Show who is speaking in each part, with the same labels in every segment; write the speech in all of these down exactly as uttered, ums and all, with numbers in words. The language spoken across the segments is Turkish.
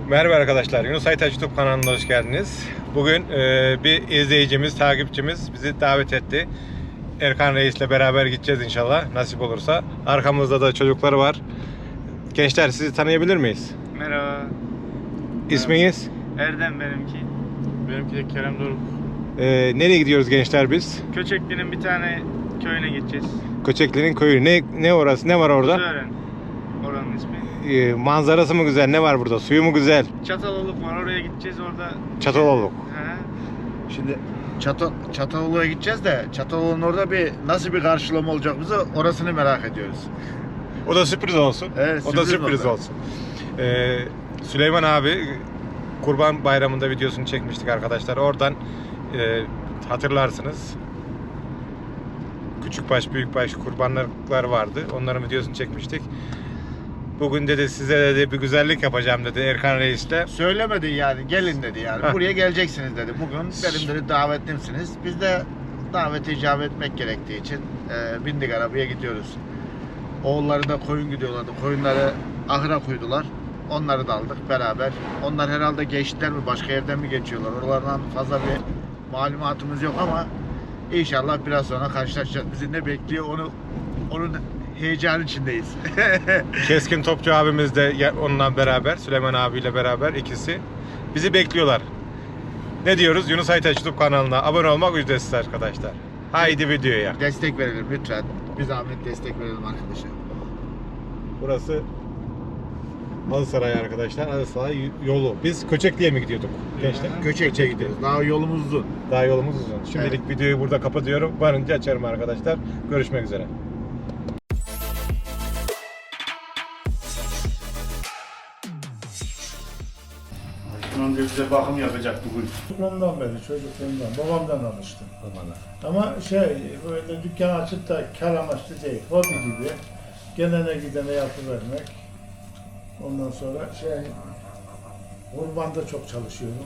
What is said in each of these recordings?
Speaker 1: Merhaba arkadaşlar, Yunus Aytaç YouTube kanalına hoş geldiniz. Bugün e, bir izleyicimiz, takipçimiz bizi davet etti. Erkan Reis'le beraber gideceğiz inşallah, nasip olursa. Arkamızda da çocukları var. Gençler, sizi tanıyabilir miyiz?
Speaker 2: Merhaba.
Speaker 1: İsminiz?
Speaker 2: Erdem benimki. Benimki de Kerem Doruk.
Speaker 1: E, nereye gidiyoruz gençler biz?
Speaker 2: Köçekli'nin bir tane köyüne gideceğiz.
Speaker 1: Köçekli'nin köyü. Ne, ne orası? Ne var orada?
Speaker 2: Sören. Oranın ismi.
Speaker 1: E, manzarası mı güzel? Ne var burada? Suyu mu güzel?
Speaker 2: Çataloluk var, oraya gideceğiz orada.
Speaker 1: Çataloluk.
Speaker 2: He.
Speaker 3: Şimdi Çatal Çatalolu'ya gideceğiz de Çatalolu'nun orada bir nasıl bir karşılama olacak bize orasını merak ediyoruz.
Speaker 1: O da sürpriz olsun.
Speaker 3: Evet,
Speaker 1: o da
Speaker 3: sürpriz
Speaker 1: sürpriz
Speaker 3: oldu.
Speaker 1: olsun. Ee, Süleyman abi Kurban Bayramı'nda videosunu çekmiştik arkadaşlar. Oradan e, hatırlarsınız. Küçükbaş, büyükbaş kurbanlıklar vardı. Onların videosunu çekmiştik. Bugün dedi size dedi bir güzellik yapacağım dedi Erkan Reis'le.
Speaker 3: Söylemedi yani, gelin dedi yani.
Speaker 1: Heh.
Speaker 3: Buraya geleceksiniz dedi. Bugün benim dedi davetlimsiniz. Biz de davete icap etmek gerektiği için e, bindik arabaya gidiyoruz. Oğulları da koyun gidiyorlardı. Koyunları ahıra koydular. Onları da aldık beraber. Onlar herhalde geçtiler mi, başka yerden mi geçiyorlar? Oralardan fazla bir malumatımız yok ama inşallah biraz sonra karşılaşacağız. Bizi ne bekliyor onu onun heyecan içindeyiz.
Speaker 1: Keskin Topçu abimiz de ya- onunla beraber, Süleyman abiyle beraber ikisi bizi bekliyorlar. Ne diyoruz? Yunus Aytaç YouTube kanalına abone olmak ücretsiz arkadaşlar. Haydi videoya.
Speaker 3: Destek verelim lütfen. Bir zahmet destek verelim arkadaşlar.
Speaker 1: Burası Halısaray arkadaşlar. Halısaray yolu. Biz Köçekli'ye mi gidiyorduk gençler?
Speaker 3: Göçek'e gidiyoruz. Daha yolumuz uzun.
Speaker 1: Daha yolumuz uzun. Şimdilik
Speaker 3: Evet.
Speaker 1: videoyu burada kapatıyorum. Varınca açarım arkadaşlar. Görüşmek üzere.
Speaker 4: Önce bize bakım yapacak bugün.
Speaker 5: Çocukluğumdan beri, çocukluğumdan, babamdan alıştım. Ama şey, böyle dükkan açıp da kar amaçlı değil, hobi gibi. Gelene gidene yapıvermek. Ondan sonra şey, kurbanda çok çalışıyorum.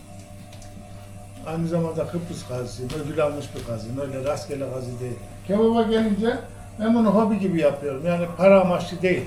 Speaker 5: Aynı zamanda Kıbrıs gazisiyim, ödül almış bir gaziyim, öyle rastgele gazi değil. Kebaba gelince ben bunu hobi gibi yapıyorum, yani para amaçlı değil.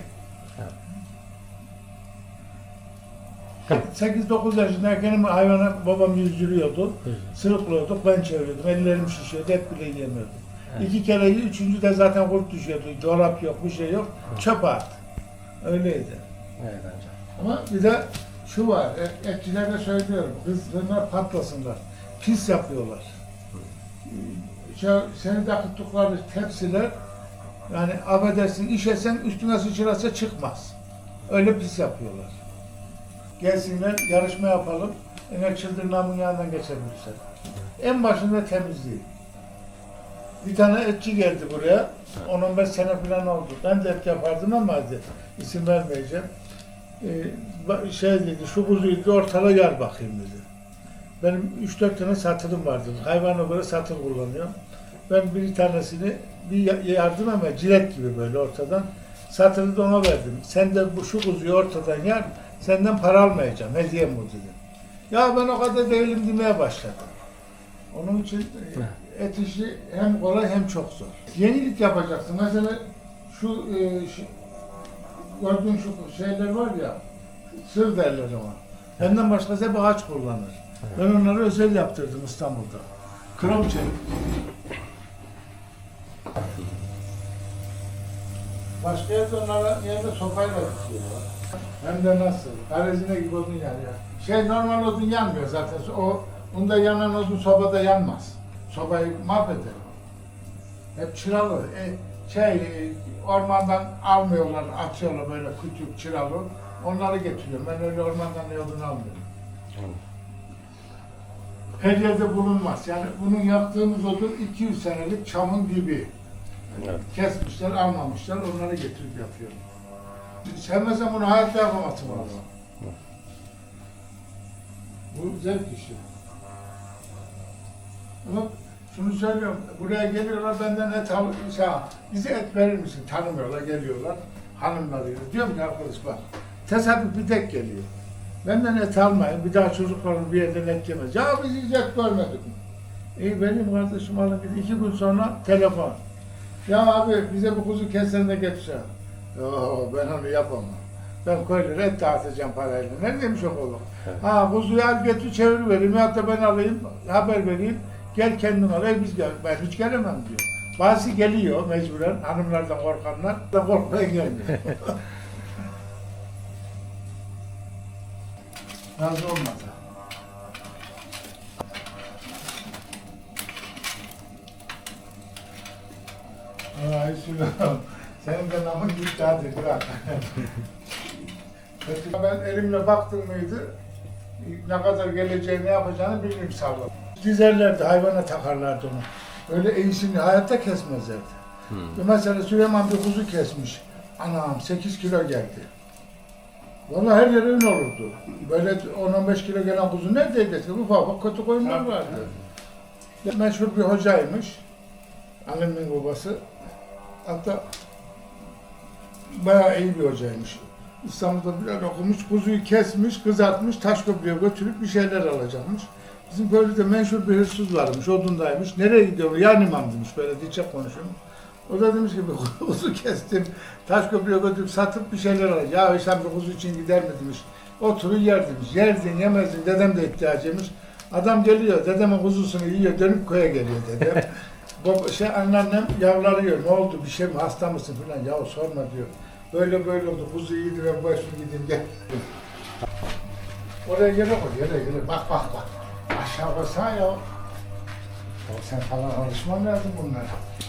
Speaker 5: sekiz dokuz yaşındayken hayvana babam yüzdürüyordu. Sırıklıyorduk, ben çeviriyordum. Ellerim şişiyordu, et bile yiyemiyordum. Evet. İki kere, üçüncü de zaten kurt düşüyordu. Çorap yok, bir şey yok. Çöp at. Öyleydi.
Speaker 4: Evet
Speaker 5: Ama bir de şu var, et, etçilere söylüyorum. Kızlar patlasınlar. Pis yapıyorlar. Şu, seni de akıttıkları tepsiler, yani affedersin, işesen üstüne sıçrasa çıkmaz. Öyle pis yapıyorlar. Gelsinler, yarışma yapalım. Eğer çıldırnamın yanından geçebilirler. En başında temizliği. Bir tane etçi geldi buraya. on on beş sene falan oldu. Ben de et yapardım ama hadi isim vermeyeceğim. Ee, şey dedi, şu kuzuyu bir ortada yar bakayım dedi. Benim üç dört tane satırım vardı. Hayvana göre satır kullanıyorum. Ben bir tanesini bir yardım ama cilet gibi böyle ortadan satırı da ona verdim. Sen de bu şu kuzuyu ortadan yar, senden para almayacağım, hediyem bu dedi. Ya ben o kadar değilim demeye başladım. Onun için et işi hem kolay hem çok zor. Yenilik yapacaksın. Mesela şu, e, şu gördüğün şu şeyler var ya, sır derler ona. Benden başkası hep ağaç kullanır. Ben onları özel yaptırdım İstanbul'da. Krom çelik. Başka yerde onlara yerde sopayla tutuyorlar. Hem de nasıl? Karezine gibi odun yanıyor. Şey normal odun yanmıyor zaten. O bunda yanan odun sobada yanmaz. Sobayı mahveder. Hep çıralı. E, şey ormandan almıyorlar, atıyorlar böyle küçük çıralı. Onları getiriyorum. Ben öyle ormandan ne odun almıyorum. Her yerde bulunmaz. Yani bunun yaptığımız odun iki yüz senelik çamın dibi. Evet. Kesmişler, almamışlar, onları getirip yapıyorum. Sevmesem bunu hayatta yapamazsın valla. Bu zevk işi. Ama şunu söylüyorum, buraya geliyorlar benden et al, şey, bize et verir misin? Tanımıyorlar, geliyorlar, hanımlar diyor. Diyorum ki arkadaş bak, tesadüf bir tek geliyor. Benden et almayın, bir daha çocuklarım bir yerden et yemez. Ya biz hiç et görmedik. İyi benim kardeşim alın gidin, iki gün sonra telefon. Ya abi bize bu kuzu kesene de getir. Yo ben onu yapamam. Ben köylere et dağıtacağım parayla. Ne demiş o oğlum? Ha kuzuyu al götür çevir vereyim ya da ben alayım haber vereyim. Gel kendin al. E biz gel. Ben hiç gelemem diyor. Bazı geliyor mecburen hanımlardan korkanlar da korkmaya gelmiyor. Razı olmadı. Ay Süleyman, senin de namın gitti hadi bırak. Ben elimle baktım mıydı, ne kadar geleceğini, ne yapacağını bilmiyorum sağlam. Dizerlerdi, hayvana takarlardı onu. Öyle iyisini hayatta kesmezlerdi. Hmm. Mesela Süleyman bir kuzu kesmiş. Anam sekiz kilo geldi. Vallahi her yere ün olurdu. Böyle on on beş kilo gelen kuzu neredeydi? Ufak ufak kötü koyunlar vardı. Meşhur bir hocaymış. Annemin babası. Hatta bayağı iyi bir hocaymış. İstanbul'da biraz okumuş, kuzuyu kesmiş, kızartmış, Taşköprü'ye götürüp bir şeyler alacakmış. Bizim köyde meşhur bir hırsız varmış, odundaymış. Nereye gidiyor? Yan imam demiş, böyle dikçe konuşuyorum. O da demiş ki kuzu kestim, Taşköprü'ye götürüp satıp bir şeyler alacak. Ya sen bir kuzu için gider mi demiş. Oturur yer demiş. Yerdin, yemezdin, dedem de ihtiyacıymış. Adam geliyor, dedemin kuzusunu yiyor, dönüp köye geliyor dedem. Baba, şey anneannem yavlarıyor, ne oldu, bir şey mi, hasta mısın falan, ya sorma diyor. Böyle böyle oldu, kuzu iyiydi, ben başım gideyim gel. Oraya yere koy, yere yere, bak bak bak. Aşağı koysana ya. Ya sen falan alışman lazım bunlara.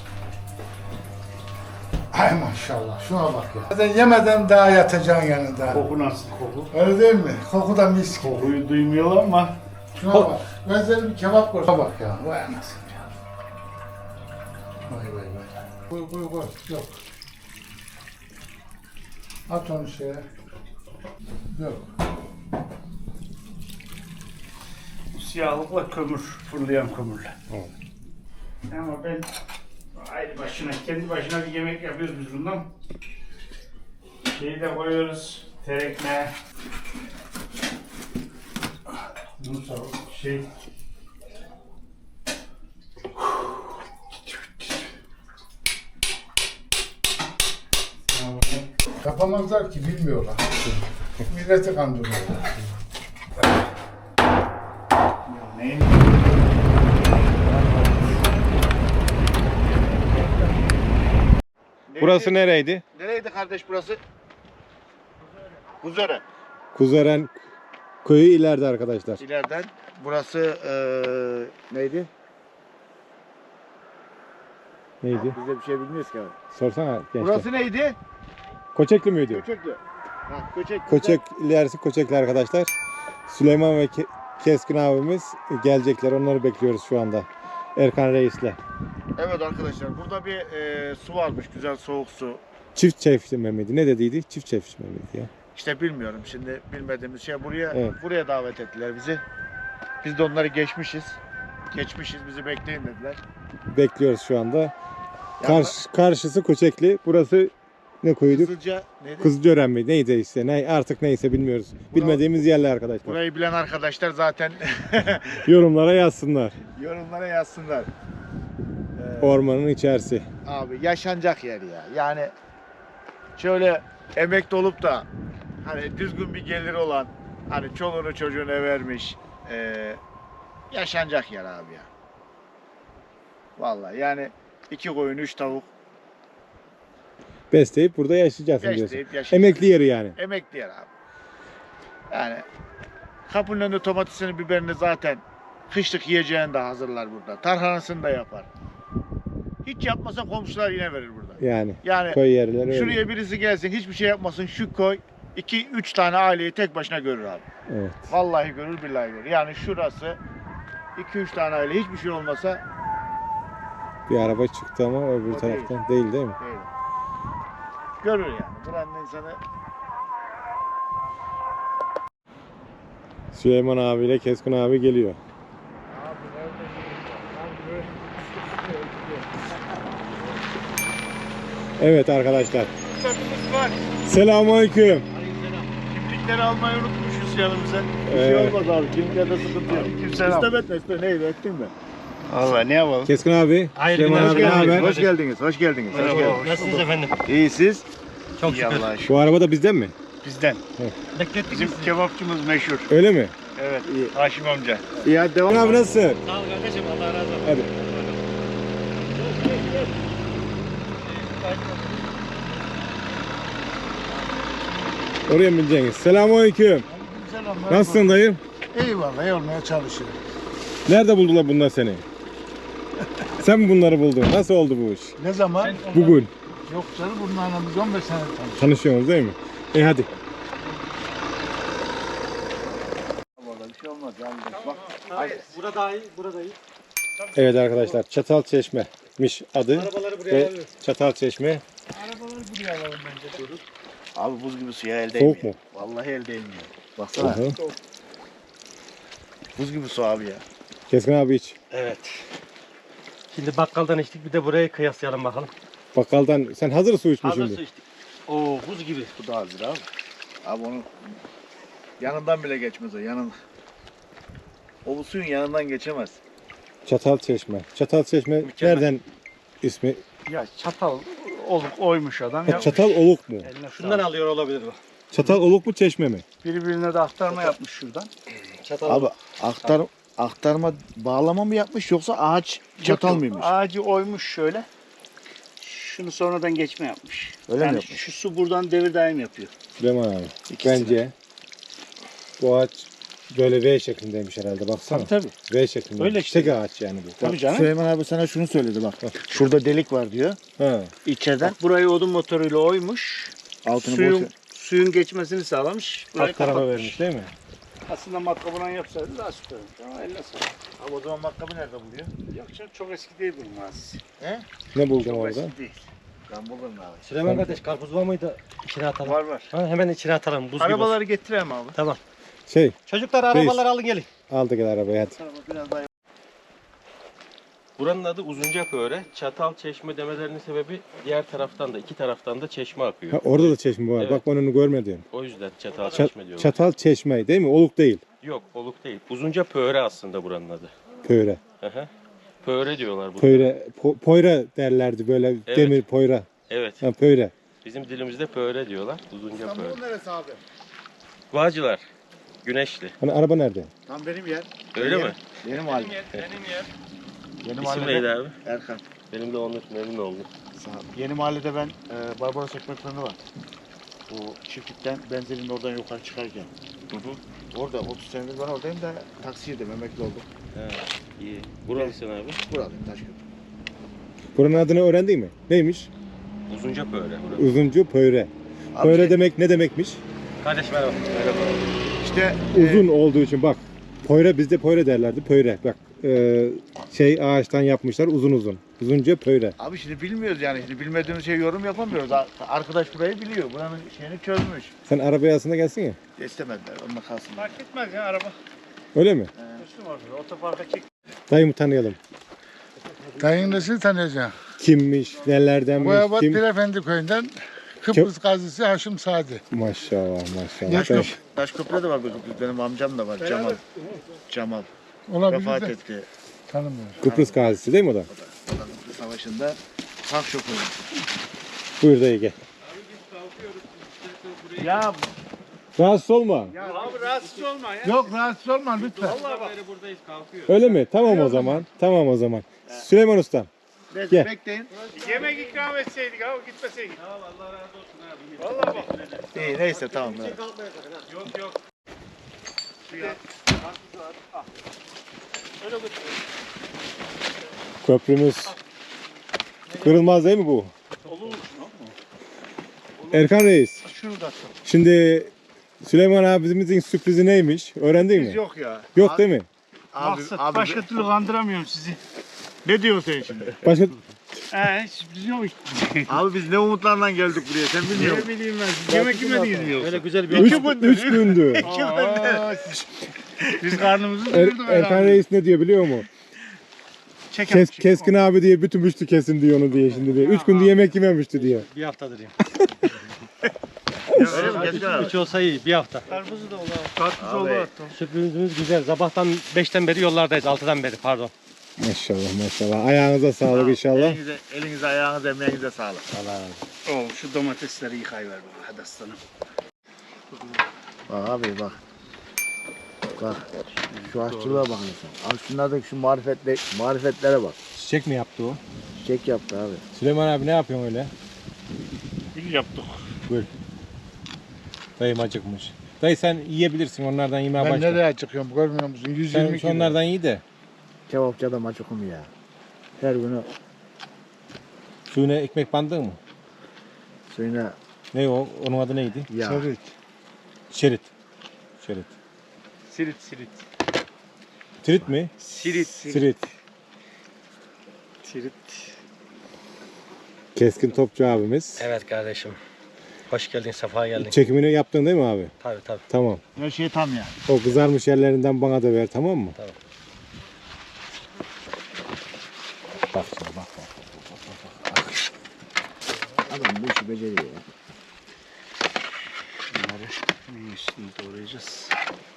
Speaker 5: Ay maşallah, şuna bak ya. Zaten yemeden daha yatacaksın yanında.
Speaker 4: Koku nasıl koku?
Speaker 5: Öyle değil mi? Koku da mis gibi.
Speaker 4: Kokuyu duymuyorlar ama.
Speaker 5: Şuna bak, ben sana bir kebap koy. Şuna bak ya, vay anasını ya. Vay vay vay. Koy koy koy, yok. At onu şeye. Yok.
Speaker 4: Siyahlıkla kömür, fırlayan kömürle.
Speaker 1: Evet.
Speaker 4: Ama ben ayrı başına, kendi başına bir yemek yapıyoruz biz bundan. Şeyi de koyuyoruz, terekme. Bunu sağ şey.
Speaker 5: Yapamazlar ki, bilmiyorlar. Milleti kandırıyorlar.
Speaker 4: Neyin?
Speaker 1: Burası nereydi?
Speaker 3: Nereydi kardeş burası? Kuzören.
Speaker 1: Kuzeren köyü ileride arkadaşlar.
Speaker 3: İleriden. Burası eee neydi?
Speaker 1: Neydi?
Speaker 3: Biz de bir şey bilmiyoruz ki abi.
Speaker 1: Sorsana gençler.
Speaker 3: Burası neydi?
Speaker 1: Koçekli miydi?
Speaker 3: Köçekli. Ha, Köçek.
Speaker 1: Koçek ilerisi Koçekli arkadaşlar. Süleyman ve Ke- Keskin abimiz gelecekler. Onları bekliyoruz şu anda. Erkan Reis'le.
Speaker 3: Evet arkadaşlar, burada bir eee, su varmış, güzel soğuk su.
Speaker 1: Çift çeşme miydi? Ne dediydi? Çift çeşme miydi ya?
Speaker 3: İşte bilmiyorum şimdi, bilmediğimiz şey buraya
Speaker 1: Evet.
Speaker 3: buraya davet ettiler bizi. Biz de onları geçmişiz. Geçmişiz, bizi bekleyin dediler.
Speaker 1: Bekliyoruz şu anda. Karşı, karşısı Koçekli. Burası ne koyduk?
Speaker 3: Kızılca neydi?
Speaker 1: Kızılcören mi? Neydi işte? Ne, artık neyse bilmiyoruz. Bilmediğimiz yerler arkadaşlar.
Speaker 3: Burayı bilen arkadaşlar zaten
Speaker 1: Yorumlara yazsınlar.
Speaker 3: yorumlara yazsınlar. Ee,
Speaker 1: Ormanın içerisi.
Speaker 3: Abi yaşanacak yer ya. Yani şöyle emekli olup da hani düzgün bir geliri olan, hani çoluğunu çocuğuna vermiş, ee, yaşanacak yer abi ya. Vallahi yani iki koyun, üç tavuk
Speaker 1: Besleyip burada yaşayacaksın diyorsun.
Speaker 3: besleyip yaşayacak.
Speaker 1: Emekli yeri yani.
Speaker 3: Emekli yer abi. Yani kapının önünde domatesini, biberini zaten kışlık yiyeceğini de hazırlar burada. Tarhanasını da yapar. Hiç yapmasa komşular yine verir burada.
Speaker 1: Yani,
Speaker 3: Yani
Speaker 1: köy yerleri öyle.
Speaker 3: şuraya birisi gelsin, hiçbir şey yapmasın, şu koy iki üç tane aileyi tek başına görür abi.
Speaker 1: Evet.
Speaker 3: Vallahi görür, billahi görür. Yani şurası iki üç tane aile, hiçbir şey olmasa
Speaker 1: Bir araba çıktı ama öbür
Speaker 3: O
Speaker 1: taraftan değil değil mi?
Speaker 3: değil. Görür yani. Buranın insanı
Speaker 1: Süleyman abiyle Keskin abi geliyor. Evet arkadaşlar.
Speaker 3: Kimliklerimiz var.
Speaker 1: Selamünaleyküm.
Speaker 3: Kimlikleri almayı unutmuşuz yanımıza. Bir
Speaker 1: Ee,
Speaker 3: şey olmaz abi. Kimliklerde sıkıntı yok.
Speaker 2: Aleykümselam.
Speaker 3: İstem etme, istem. Neydi, ettin mi?
Speaker 2: Allah ne yapalım?
Speaker 1: Keskin abi.
Speaker 2: Hayırlı
Speaker 1: Süleyman
Speaker 2: günler,
Speaker 1: abi ne
Speaker 2: hoş
Speaker 1: haber?
Speaker 3: Hoş geldiniz, hoş geldiniz. Hoş geldiniz.
Speaker 2: Nasılsınız efendim?
Speaker 3: İyi siz?
Speaker 2: Çok şükür.
Speaker 3: Allah'a şükür.
Speaker 1: Bu araba da bizden mi?
Speaker 4: Bizden.
Speaker 1: Hı.
Speaker 4: Bizim kebapçımız meşhur.
Speaker 1: Öyle mi?
Speaker 4: Evet. Haşim amca.
Speaker 3: İyi hadi devam.
Speaker 1: Abi nasılsın?
Speaker 2: Sağ ol kardeşim, Allah razı olsun.
Speaker 1: Hadi. Oraya mı bineceksiniz? Selamünaleyküm.
Speaker 5: Selamlar.
Speaker 1: Nasılsın dayı?
Speaker 5: Eyvallah, iyi olmaya çalışıyorum.
Speaker 1: Nerede buldular bunlar seni? Sen mi bunları buldun? Nasıl oldu bu iş?
Speaker 5: Ne zaman?
Speaker 1: Bugün.
Speaker 5: Yok canım, bunlarla biz on beş sene tanıştık.
Speaker 1: Tanışıyorsunuz değil mi? E hadi.
Speaker 3: Bir şey olmaz yani. Bak.
Speaker 2: Burada iyi, burada iyi.
Speaker 1: Evet arkadaşlar, Çatalçeşme'miş adı.
Speaker 2: Arabaları buraya
Speaker 1: Ve
Speaker 2: alıyoruz.
Speaker 1: Çatalçeşme
Speaker 5: Arabaları buraya alalım bence.
Speaker 3: Abi buz gibi suya el
Speaker 1: soğuk
Speaker 3: değmiyor.
Speaker 1: mu?
Speaker 3: Vallahi el değmiyor. Baksana.
Speaker 1: Hı hı.
Speaker 3: Buz gibi su abi ya.
Speaker 1: Keskin abi iç.
Speaker 6: Evet. Şimdi bakkaldan içtik, bir de burayı kıyaslayalım bakalım.
Speaker 1: Bakkaldan sen hazır su içmiş
Speaker 6: Hazır
Speaker 1: şimdi.
Speaker 6: su içtik. Oo, buz gibi.
Speaker 3: Bu da hazır abi. Abi onun yanından bile geçmez o. Yanın. O bu suyun yanından geçemez.
Speaker 1: Çatalçeşme. Çatalçeşme
Speaker 6: Mükemmel.
Speaker 1: nereden ismi?
Speaker 4: Ya çatal olup oymuş adam.
Speaker 1: Ha,
Speaker 4: Ya
Speaker 1: Çatal Oluk mu?
Speaker 4: eline
Speaker 6: Şundan alıyor olabilir bu.
Speaker 1: Çatal Oluk mu Çeşme mi?
Speaker 4: birbirine de aktarma yapmış şuradan.
Speaker 6: Çatal.
Speaker 3: Abi aktar aktarma bağlama mı yapmış yoksa ağaç çatal
Speaker 4: Yok, yok.
Speaker 3: mıymış?
Speaker 4: Ağacı oymuş şöyle. Şunu sonradan geçme yapmış.
Speaker 3: Öyle mi
Speaker 4: yani
Speaker 3: yapmış?
Speaker 4: şu su buradan devir daim yapıyor.
Speaker 1: Süleyman abi.
Speaker 3: İkisini.
Speaker 1: Bence bu ağaç böyle V şeklindeymiş herhalde. Baksana.
Speaker 4: Tabii tabii.
Speaker 1: V şeklinde.
Speaker 4: Öyle işte.
Speaker 1: Tek ağaç yani bu.
Speaker 4: Tabii canım.
Speaker 3: Süleyman abi sana şunu söyledi bak. Şurada delik var diyor.
Speaker 1: Ha.
Speaker 3: İçeriden
Speaker 4: Burayı odun motoruyla oymuş.
Speaker 3: altını
Speaker 4: Suyun,
Speaker 3: boş.
Speaker 4: suyun geçmesini sağlamış. Burayı
Speaker 1: Alt tarafa
Speaker 4: kapatmış.
Speaker 1: vermiş değil mi?
Speaker 4: Aslında matkabından yapsaydı daha süper olmuş ama eline sağlık.
Speaker 3: Abi o zaman matkabı nerede buluyor?
Speaker 4: Yok canım, çok eski değil bu mazisi.
Speaker 1: Ne buldun
Speaker 4: Çok
Speaker 1: orada?
Speaker 4: eski değil.
Speaker 3: Ben bulurum abi.
Speaker 6: Süleyman kardeş, karpuz var mıydı? İçine atalım.
Speaker 4: Var var.
Speaker 6: Ha, hemen içine atalım, buz gibi
Speaker 4: Arabaları
Speaker 6: olsun.
Speaker 4: getireyim abi.
Speaker 6: Tamam.
Speaker 1: Şey,
Speaker 6: Çocuklar arabaları alın gelin.
Speaker 1: aldı gel arabaya hadi.
Speaker 3: Biraz daha
Speaker 6: Buranın adı Uzuncapöre. Çatal çeşme demelerinin sebebi diğer taraftan da, iki taraftan da çeşme akıyor.
Speaker 1: Ha, orada da çeşme var.
Speaker 6: Evet.
Speaker 1: Bak ben onu görmedim.
Speaker 6: O yüzden çatal
Speaker 1: Ça-
Speaker 6: çeşme diyorlar.
Speaker 1: Çatal Çeşme değil mi? Oluk değil.
Speaker 6: Yok, oluk değil. Uzuncapöre aslında buranın adı.
Speaker 1: Pöre.
Speaker 6: Hı hı. Pöre diyorlar burada.
Speaker 1: Pöre. Po- poyra derlerdi böyle
Speaker 6: Evet.
Speaker 1: demir poyra.
Speaker 6: Evet.
Speaker 1: Ha, pöre.
Speaker 6: Bizim dilimizde pöre diyorlar. Uzuncapöre.
Speaker 3: İstanbul'un neresi abi?
Speaker 6: Bağcılar. Güneşli.
Speaker 1: Hani araba nerede?
Speaker 3: Tam benim yer.
Speaker 6: Öyle mi?
Speaker 3: Benim mahallem.
Speaker 2: Benim yer.
Speaker 3: Yeni
Speaker 6: İsim
Speaker 3: mahallede
Speaker 6: neydi abi?
Speaker 3: Erkan.
Speaker 6: Benim de onun memnun oldum.
Speaker 3: Sağ ol. Yeni mahallede ben e, Barbaros ekmek fırını var. O çiftlikten benzerinin oradan yukarı çıkarken.
Speaker 6: Hı hı.
Speaker 3: Orada otuz senedir ben oradayım da taksiydim, emekli oldum.
Speaker 6: Ha, iyi. Buralısın abi.
Speaker 3: Buralıyım Taşköprü.
Speaker 1: Buranın adını öğrendin mi? Neymiş?
Speaker 6: Uzuncapöre. burası.
Speaker 1: Uzuncu pöre.
Speaker 3: Abi
Speaker 1: Pöre
Speaker 3: şey-
Speaker 1: demek ne demekmiş?
Speaker 6: Kardeş merhaba. Merhaba.
Speaker 3: İşte
Speaker 1: Uzun olduğu için bak. Poyra bizde pöre derlerdi. Pöre. Bak. e, şey ağaçtan yapmışlar uzun uzun. Uzunca pöre.
Speaker 3: Abi şimdi bilmiyoruz yani. Şimdi bilmediğimiz şey yorum yapamıyoruz. Ar- Arkadaş burayı biliyor. Buranın şeyini çözmüş.
Speaker 1: Sen arabaya aslında gelsin ya.
Speaker 3: İstemediler. Onunla kalsın.
Speaker 4: Fark etmez ya araba.
Speaker 1: Öyle mi?
Speaker 4: Üstüm orada. Otoparka çek.
Speaker 1: Dayımı tanıyalım.
Speaker 5: Dayın nasıl tanıyacaksın?
Speaker 1: Kimmiş, nelerdenmiş,
Speaker 5: Boyabat
Speaker 1: kim?
Speaker 5: Pirefendi köyünden Kıbrıs gazisi Haşim Sadi.
Speaker 1: Maşallah maşallah.
Speaker 5: Yaş
Speaker 1: Ben-
Speaker 5: yok.
Speaker 3: Taşköprü'de de var bir Kıbrıs. Benim amcam da var. Cemal. Cemal.
Speaker 5: Olabilir
Speaker 3: Vefat
Speaker 5: de
Speaker 3: etti.
Speaker 5: tanımıyorum.
Speaker 1: Kıbrıs gazisi değil mi o da?
Speaker 3: Kıbrıs Savaşı'nda tank şoförü.
Speaker 1: Buyur dayı gel.
Speaker 4: Ya,
Speaker 1: Rahatsız olma.
Speaker 4: ya abi rahatsız olma ya.
Speaker 5: Yok rahatsız olma lütfen.
Speaker 4: Vallahi bak.
Speaker 2: Buradayız, kalkıyor.
Speaker 1: Öyle mi? Tamam o zaman. Tamam o zaman. Süleyman Usta.
Speaker 3: Neyse
Speaker 1: Gel.
Speaker 3: bekleyin.
Speaker 4: Yemek ikram etseydik abi, gitmeseydik.
Speaker 2: Tamam, Allah razı olsun abi.
Speaker 4: Vallahi bak.
Speaker 3: İyi neyse tamam. evet.
Speaker 2: Yok yok.
Speaker 1: Köprümüz. Kırılmaz değil mi bu? Erkan Reis.
Speaker 4: Şunu da sor.
Speaker 1: Şimdi Süleyman abimizin sürprizi neymiş? Öğrendin mi?
Speaker 3: Biz yok ya.
Speaker 1: Yok
Speaker 3: Abi-
Speaker 1: değil mi?
Speaker 3: Abi,
Speaker 4: Maksat,
Speaker 3: abi,
Speaker 4: başka türlü kandıramıyorum sizi. Ne diyorsun sen şimdi?
Speaker 1: Başka
Speaker 4: He, sürpriz yok.
Speaker 3: abi biz ne umutlarla geldik buraya sen bilmiyor musun?
Speaker 4: Ne bileyim ben, siz yemek yemediniz mi yoksa?
Speaker 6: Böyle güzel bir
Speaker 1: üç,
Speaker 4: İki gündür.
Speaker 1: üç gündür.
Speaker 4: Aa, Biz karnımızı
Speaker 1: Er,
Speaker 4: doyurduk
Speaker 1: Erkan
Speaker 4: herhalde.
Speaker 1: Reis ne diyor biliyor musun?
Speaker 4: Çek
Speaker 1: Kes,
Speaker 4: çek.
Speaker 1: keskin abi diye bütün müştü kesin diyor onu diye şimdi diyor. Üç gündür yemek yememişti diyor.
Speaker 6: bir haftadır ya.
Speaker 3: Öyle mi? Geçen abi.
Speaker 6: Üç olsa iyi, bir hafta.
Speaker 4: Karpuzu da olur. Karpuz
Speaker 3: Abi.
Speaker 4: olur hatta.
Speaker 6: Sürprizimiz güzel. Sabahtan beşten beri yollardayız, altıdan beri pardon.
Speaker 1: Maşallah maşallah. Ayağınıza sağlık inşallah.
Speaker 3: Elinize, elinize ayağınıza emeğinize sağlık.
Speaker 6: Allah razı olsun.
Speaker 4: Oğlum şu domatesleri yıkayıver bana hadi aslanım.
Speaker 3: Bak abi bak. Bak şu aşçılığa bak insan. Al şunlardaki şu marifetle, marifetlere bak.
Speaker 1: Çiçek mi yaptı o?
Speaker 3: Çek yaptı abi.
Speaker 1: Süleyman abi ne yapıyorsun öyle?
Speaker 4: Gül yaptık.
Speaker 1: Gül. Dayım acıkmış. Dayı sen yiyebilirsin, onlardan yemeye
Speaker 5: Ben
Speaker 1: başla.
Speaker 5: nereye çıkıyorum görmüyor musun? yüz
Speaker 1: Sen
Speaker 5: yirmi
Speaker 1: şu
Speaker 5: kilo.
Speaker 1: onlardan iyi de.
Speaker 3: Kebapçı adam açıkım ya. Her günü
Speaker 1: Suyuna ekmek bandın mı?
Speaker 3: suyuna
Speaker 1: Ne o? Onun adı neydi?
Speaker 3: yağ.
Speaker 5: Serit.
Speaker 1: Şerit. Şerit.
Speaker 2: Sirit sirit.
Speaker 1: Trit mi?
Speaker 2: Sirit.
Speaker 1: Sirit.
Speaker 2: Sirit.
Speaker 1: Keskin Topçu abimiz.
Speaker 7: Evet kardeşim. Hoş geldin, sefa geldin.
Speaker 1: Çekimini yaptın değil mi abi?
Speaker 7: Tabii tabii.
Speaker 1: Tamam.
Speaker 3: Her şey tam ya.
Speaker 1: O kızarmış yerlerinden bana da ver, tamam mı?
Speaker 7: Tamam.
Speaker 1: Bak şimdi bak bak.
Speaker 3: Adam bu işi beceriyor ya.
Speaker 4: Bunları bir üstünü doğrayacağız.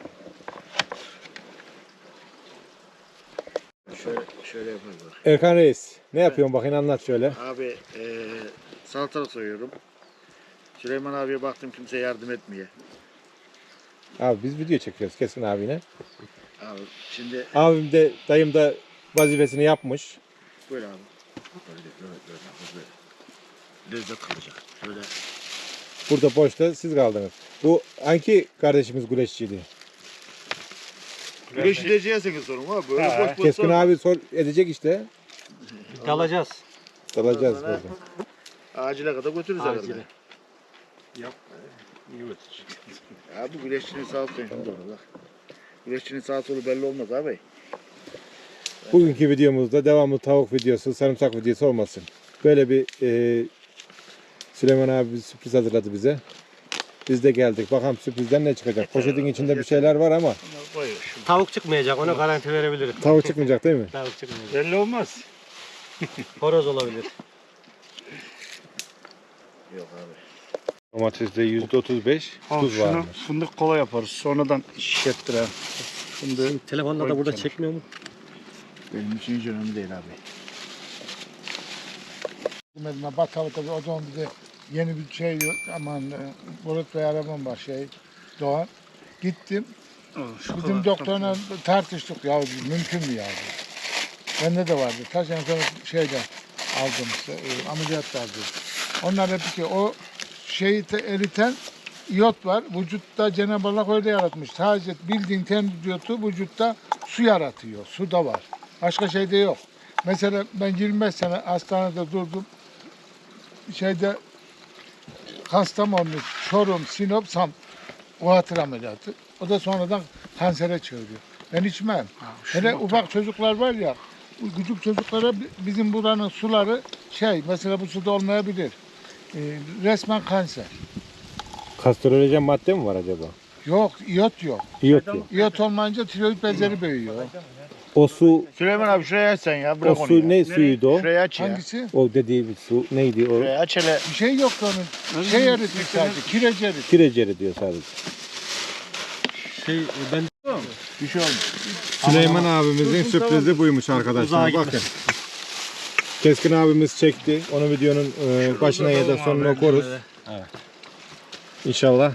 Speaker 3: Şöyle şöyle yapalım bak.
Speaker 1: Erkan Reis, ne yapıyorsun bakayım, anlat şöyle.
Speaker 3: Abi eee salatalık soyuyorum. Süleyman abiye baktım kimse yardım etmiyor.
Speaker 1: Abi biz video çekiyoruz Keskin abine.
Speaker 3: Abi şimdi
Speaker 1: Abim de, dayım da vazifesini yapmış.
Speaker 3: böyle abi. Böyle böyle böyle böyle. böyle. Lezzet kalacak. Şöyle.
Speaker 1: Burada boşta siz kaldınız. Bu hangi kardeşimiz güreşçiydi?
Speaker 3: Güreşileceğiz sorun var. Böyle
Speaker 4: Ha,
Speaker 3: boş boş
Speaker 1: Keskin
Speaker 3: sorma.
Speaker 1: abi sor edecek işte.
Speaker 7: Dalacağız.
Speaker 1: Dalacağız
Speaker 3: Ondan sonra
Speaker 1: burada.
Speaker 3: Acile kadar götürürüz
Speaker 7: Acile.
Speaker 3: herhalde.
Speaker 4: Yap. İyi götürecek.
Speaker 3: Ya bu güreşçinin sağ solu şimdi orada bak. Güreşçinin sağ solu belli olmaz abi.
Speaker 1: Bugünkü videomuzda devamlı tavuk videosu, sarımsak videosu olmasın. Böyle bir e, Süleyman abi bir sürpriz hazırladı bize. Biz de geldik. Bakalım sürprizden ne çıkacak. Poşetin içinde bir şeyler var ama
Speaker 3: Koyuyor şimdi.
Speaker 7: Tavuk çıkmayacak, ona garanti verebilirim.
Speaker 1: tavuk çıkmayacak değil mi?
Speaker 7: Tavuk çıkmayacak.
Speaker 4: Belli olmaz.
Speaker 7: Horoz olabilir.
Speaker 3: Yok abi.
Speaker 1: Domateste yüzde otuz beş
Speaker 4: Al
Speaker 1: tuz
Speaker 4: şunu
Speaker 1: varmış.
Speaker 4: fındık kola yaparız. Sonradan şişettirelim. Fındığı
Speaker 7: Şimdi telefonda da burada çekmiyor mu?
Speaker 3: Benim için hiç önemli değil abi.
Speaker 5: Medine Batalık'ta o zaman bize yeni bir şey yok. Aman e, Bulut Bey arabam var şey Doğan. Gittim. Bizim doktorla tartıştık ya mümkün mü ya? Bende de vardı. Kaç sene sonra şeyden aldım işte e, ameliyatlardı. Onlar hep ki o şeyi te- eriten iyot var. Vücutta Cenab-ı Allah öyle yaratmış. Sadece bildiğin temiz iyotu vücutta su yaratıyor. Su da var. Başka şey de yok. Mesela ben yirmi beş sene hastanede durdum. Şeyde Kastamonu, Çorum, Sinop, Sam o hatır ameliyatı. O da sonradan kansere çeviriyor. Ben içmem. Hele ufak çocuklar var ya, bu küçük çocuklara bi- bizim buranın suları şey, mesela bu suda olmayabilir. Ee, resmen kanser.
Speaker 1: Kastrolojen madde mi var acaba?
Speaker 5: Yok, iyot yok.
Speaker 1: İyot yok.
Speaker 5: İyot olmayınca tiroid bezleri büyüyor.
Speaker 1: O su,
Speaker 3: Süleyman abi şuraya aç sen ya.
Speaker 1: o
Speaker 3: Bırak onu
Speaker 1: su
Speaker 3: ya.
Speaker 1: ne suyuydu o?
Speaker 3: Şuraya aç ya.
Speaker 5: Hangisi?
Speaker 1: O dediği bir su neydi o?
Speaker 3: Şuraya aç hele.
Speaker 5: Bir şey yoktu onun. Şey eritmiş sadece, kireç eritmiş.
Speaker 1: Kireceri diyor sadece.
Speaker 7: Şey ben
Speaker 3: Bir şey olmaz.
Speaker 1: Süleyman abimizin sürprizi buymuş arkadaşlar. Bakın. Keskin abimiz çekti. Onu videonun e, başına ya da sonuna koruz. İnşallah.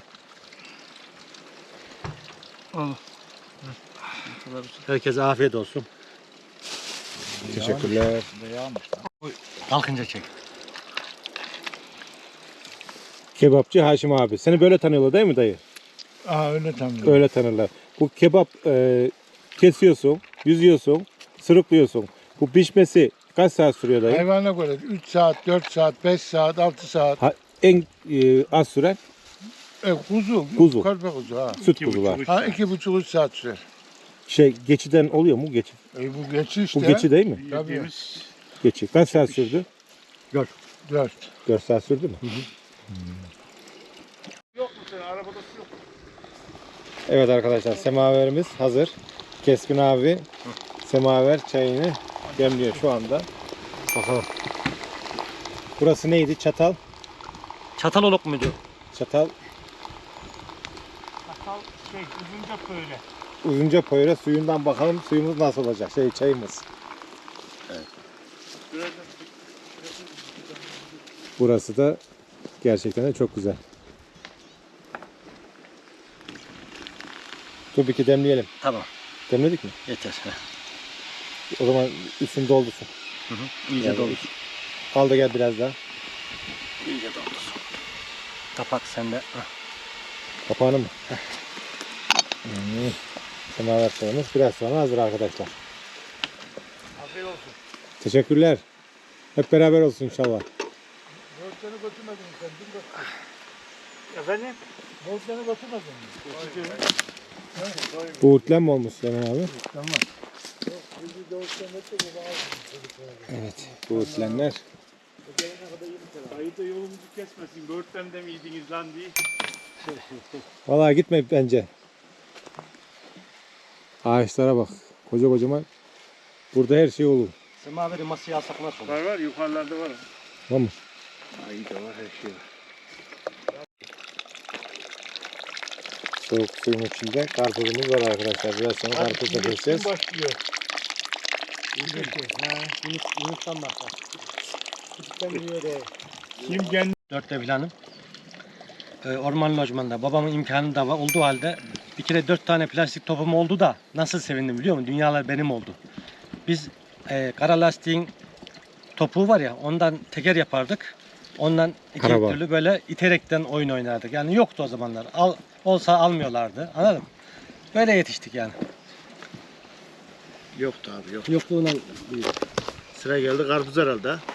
Speaker 7: herkese afiyet olsun.
Speaker 1: Teşekkürler.
Speaker 7: Kalkınca çek.
Speaker 1: Kebapçı Haşim abi. Seni böyle tanıyorlar değil mi dayı?
Speaker 5: Aa öyle tanıyorum.
Speaker 1: Öyle tanırlar. Bu kebap e, kesiyorsun, yüzüyorsun, sırıklıyorsun. Bu pişmesi kaç saat sürüyor dayı?
Speaker 5: Hayvana göre üç saat, dört saat, beş saat, altı saat.
Speaker 1: Ha, en e, az süren
Speaker 5: E, kuzu,
Speaker 1: Kuzu.
Speaker 5: körpe kuzu ha.
Speaker 1: süt kuzular.
Speaker 5: Ha iki buçuk üç saat sürer.
Speaker 1: Şey geçiden oluyor mu? Geçi.
Speaker 5: E, bu geçi işte.
Speaker 1: Bu geçi değil mi?
Speaker 5: Tabii.
Speaker 1: Geçi. Kaç saat sürdü?
Speaker 5: Dört.
Speaker 1: dört saat sürdü mü?
Speaker 4: Yok mu senin arabada su yok.
Speaker 1: Evet arkadaşlar, semaverimiz hazır. Keskin abi semaver çayını demliyor şu anda. Bakalım. Burası neydi? Çatal.
Speaker 7: Çataloluk muydu?
Speaker 1: Çatal
Speaker 4: Sakal şey uzunca böyle.
Speaker 1: uzunca poyra suyundan bakalım suyumuz nasıl olacak? Şey çayımız. Burası da gerçekten de çok güzel. Dur bir iki demleyelim.
Speaker 7: Tamam.
Speaker 1: Demledik mi?
Speaker 7: Yeter. Heh.
Speaker 1: O zaman üstünü doldursun.
Speaker 7: Hı hı. İyice
Speaker 1: Yani
Speaker 7: doldur.
Speaker 1: Al da gel biraz daha.
Speaker 7: İyice doldur. Kapak sende. Heh.
Speaker 1: Kapağını mı? Hmm. Semaver çayımız biraz sonra hazır arkadaşlar.
Speaker 3: Afiyet olsun.
Speaker 1: Teşekkürler. Hep beraber olsun inşallah.
Speaker 5: Bozdanı götürmedin sen. Dün götür.
Speaker 4: Efendim?
Speaker 5: Bozdanı götürmedin mi?
Speaker 1: Buğutlen mi olmuş Süleyman abi?
Speaker 5: Tamam.
Speaker 1: Evet. Buğutlenler.
Speaker 4: Ayı da yolumuzu kesmesin. Böğürtlen de mi yediniz lan diye.
Speaker 1: Vallahi gitme bence. Ağaçlara bak. Koca kocaman. Burada her şey olur.
Speaker 7: Semaveri masaya alsak nasıl olur?
Speaker 4: Var var yukarılarda var.
Speaker 1: Tamam mı?
Speaker 4: Ayı da var her şey var.
Speaker 1: Soğuk suyun içinde karpuzumuz var arkadaşlar. Biraz sonra karpuz da keseceğiz.
Speaker 5: Başlıyor.
Speaker 7: Yunus, Yunus'tan başla. Küçükten yiyor de.
Speaker 4: Kim kendi
Speaker 7: Dörtte filanım. Ee, orman lojmanında babamın imkanı da var, olduğu halde bir kere dört tane plastik topum oldu da nasıl sevindim biliyor musun? Dünyalar benim oldu. Biz e, kara lastiğin topuğu var ya ondan teker yapardık. Ondan iki
Speaker 1: Karabağ.
Speaker 7: türlü böyle iterekten oyun oynardık. Yani yoktu o zamanlar. Al, olsa almıyorlardı. Anladın mı? Böyle yetiştik yani.
Speaker 3: Yoktu abi yok.
Speaker 7: Yokluğundan
Speaker 3: Sıra geldi karpuz herhalde. ha?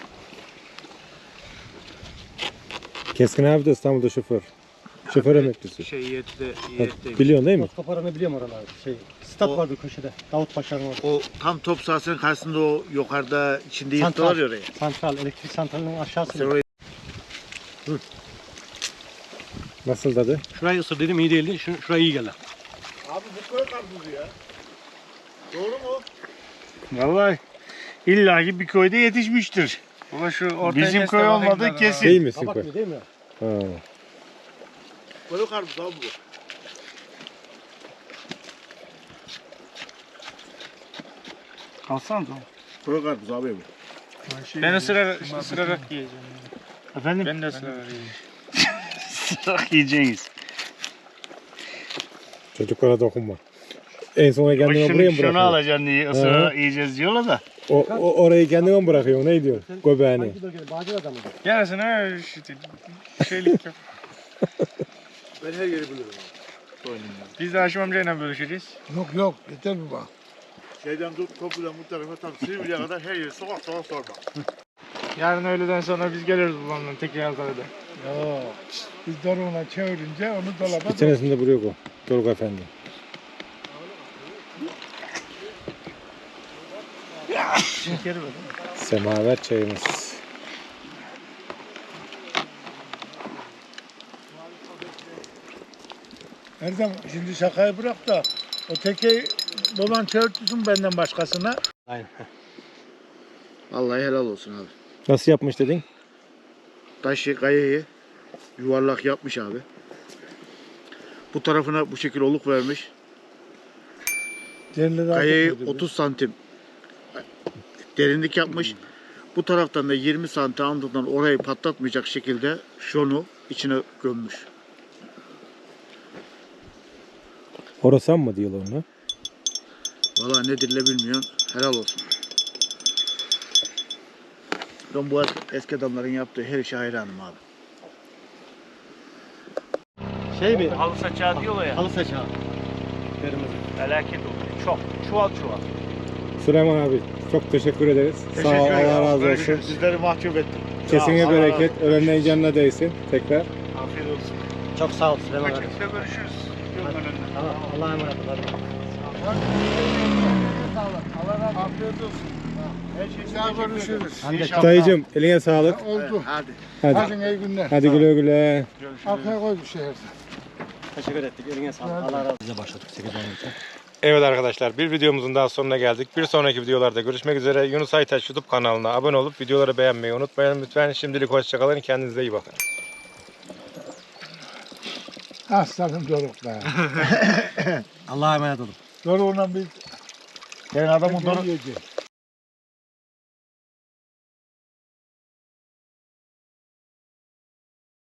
Speaker 1: Keskin abi de İstanbul'da şoför. Şoför emeklisi.
Speaker 3: Şey yette
Speaker 1: Ha, biliyorsun değil mi?
Speaker 7: Toz koparanı biliyorum oralarda. Şey, stat
Speaker 3: O-
Speaker 7: vardı köşede. Davut Paşa'nın orada.
Speaker 3: O tam top sahasının karşısında o yukarıda içinde
Speaker 7: Santral.
Speaker 3: yırttılar ya oraya.
Speaker 7: Santral, elektrik santralinin aşağısı.
Speaker 3: Sen orayı
Speaker 1: Nasıl tadı?
Speaker 7: Şurayı ısırdıydım iyi değildi. Şu, şurayı iyi geldi.
Speaker 3: Abi bu köy karpuzu ya. Doğru mu?
Speaker 4: Vallahi illaki bir köyde yetişmiştir. Bizim köy olmadı kesin.
Speaker 1: Değil misin?
Speaker 7: Kabak
Speaker 1: koy?
Speaker 7: gibi değil mi?
Speaker 1: Ha.
Speaker 3: Köy karpuzu abi bu.
Speaker 4: Kalsana da.
Speaker 3: Köy karpuzu abi bu.
Speaker 2: Ben ısırarak, ısırarak yiyeceğim.
Speaker 4: Efendim?
Speaker 2: Ben de ısırarak yiyeceğim.
Speaker 4: Sırak yiyeceğiz.
Speaker 1: Çocuklara dokunma. En sona kendine buraya
Speaker 4: Şunu,
Speaker 1: mı
Speaker 4: şunu
Speaker 1: bırakıyorsun?
Speaker 4: alacaksın diye ısırarak yiyeceğiz diyorlar da.
Speaker 1: O, o, orayı kendine mi bırakıyorsun? Ne diyorsun? Göbeğini.
Speaker 7: Hangi bölgede? Bağcılar'da mıydı?
Speaker 2: Yarısına işte şeylik yap.
Speaker 3: Ben her yeri bilirim abi.
Speaker 2: Biz de Haşim amcayla bölüşeceğiz.
Speaker 5: Yok yok. Yeter mi bak?
Speaker 3: Şeyden tut topudan bu tarafa tam Silivri'ye kadar her yeri sokak sokak sorma.
Speaker 2: Yarın öğleden sonra biz geliriz babamla Tekirdağ'da.
Speaker 5: Yok. Biz doruğuna çevirince onu dolaba
Speaker 1: Bir tanesinde buraya koy. Doruk Efendi.
Speaker 2: Şekeri ver.
Speaker 1: Semaver çayımız.
Speaker 5: Erdem şimdi şakayı bırak da o tekeyi baban çevirtirsin benden başkasına.
Speaker 7: Aynen.
Speaker 3: Vallahi helal olsun abi.
Speaker 1: Nasıl yapmış dedin?
Speaker 3: Taşı kayayı yuvarlak yapmış abi. Bu tarafına bu şekil oluk vermiş.
Speaker 5: Derleri
Speaker 3: Kayayı
Speaker 5: atıyor dedi.
Speaker 3: otuz santim derinlik yapmış. Bu taraftan da yirmi santim andından orayı patlatmayacak şekilde şunu içine gömmüş.
Speaker 1: Orasan mı diyorlar ona?
Speaker 3: Vallahi ne dille bilmiyorum. Helal olsun. Ben bu eski adamların yaptığı her işe hayranım abi.
Speaker 7: Şey mi?
Speaker 4: Halı saçağı diyorlar ya.
Speaker 7: Halı saçağı. Kırmızı.
Speaker 4: Felaket oluyor. Çok. Çuval çuval.
Speaker 1: Süleyman abi çok teşekkür ederiz. Sağ ol, Allah razı olsun.
Speaker 3: Sizleri mahcup ettim.
Speaker 1: Kesine
Speaker 3: Allah
Speaker 1: bereket,
Speaker 3: razı olsun.
Speaker 1: ölenlerin canına değsin tekrar.
Speaker 3: Afiyet olsun.
Speaker 7: Çok sağ ol Süleyman abi.
Speaker 4: Kaçıkta görüşürüz. Yolun önünde.
Speaker 7: Tamam. Allah'a emanet olun.
Speaker 5: Allah razı olsun. Afiyet olsun.
Speaker 3: Her
Speaker 5: Daha görüşürüz.
Speaker 3: İnşallah.
Speaker 1: Dayıcım eline sağlık.
Speaker 5: Oldu.
Speaker 3: Hadi.
Speaker 1: Hadi.
Speaker 5: Hadi iyi günler.
Speaker 1: Hadi güle güle.
Speaker 5: Arkaya koy bir şey.
Speaker 7: Teşekkür ettik. Eline sağlık. Allah razı olsun. Bize başladık sekiz on için.
Speaker 1: Evet arkadaşlar bir videomuzun daha sonuna geldik. Bir sonraki videolarda görüşmek üzere. Yunus Aytaç YouTube kanalına abone olup videoları beğenmeyi unutmayın lütfen. Şimdilik hoşçakalın. Kendinize iyi bakın.
Speaker 5: Aslanım Doruk be.
Speaker 7: Allah'a emanet olun.
Speaker 5: Doruğuna bir
Speaker 3: Ben adamın
Speaker 5: Doruk yiyecek.